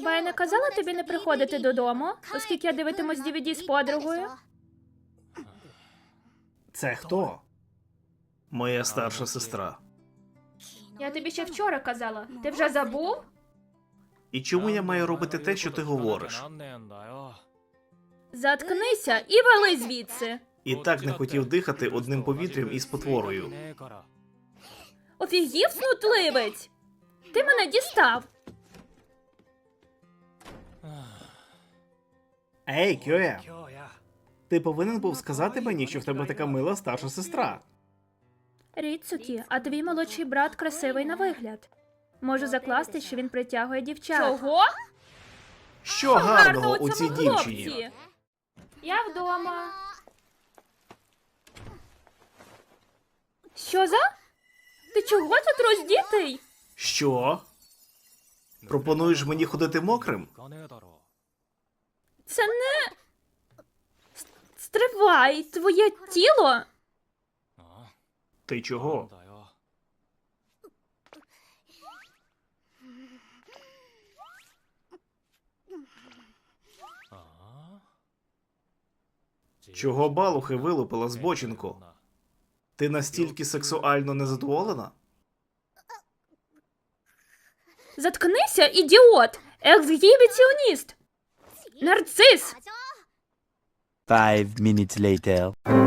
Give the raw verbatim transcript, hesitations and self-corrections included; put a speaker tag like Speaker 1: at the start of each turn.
Speaker 1: Хіба я не казала тобі не приходити додому, оскільки я дивитимусь ді ві ді з подругою?
Speaker 2: Це хто? Моя старша сестра.
Speaker 1: Я тобі ще вчора казала. Ти вже забув?
Speaker 2: І чому я маю робити те, що ти говориш?
Speaker 1: Заткнися і вали звідси.
Speaker 2: І так не хотів дихати одним повітрям із потворою.
Speaker 1: Офігів, снутливець! Ти мене дістав.
Speaker 2: Ей, Кьоя! Ти повинен був сказати мені, що в тебе така мила старша сестра.
Speaker 1: Ріцукі, а твій молодший брат красивий на вигляд. Можу закласти, що він притягує дівчат. Чого?
Speaker 2: Що гарного у цій дівчині?
Speaker 1: Я вдома. Що за? Ти чого тут роздітий?
Speaker 2: Що? Пропонуєш мені ходити мокрим?
Speaker 1: Це не... С- Стривай, твоє тіло...
Speaker 2: Ти чого? Чого балухи вилупила збочинку? Ти настільки сексуально незадоволена?
Speaker 1: Заткнися, ідіот! Ексгібіціоніст! Нарцис!
Speaker 3: Five minutes later.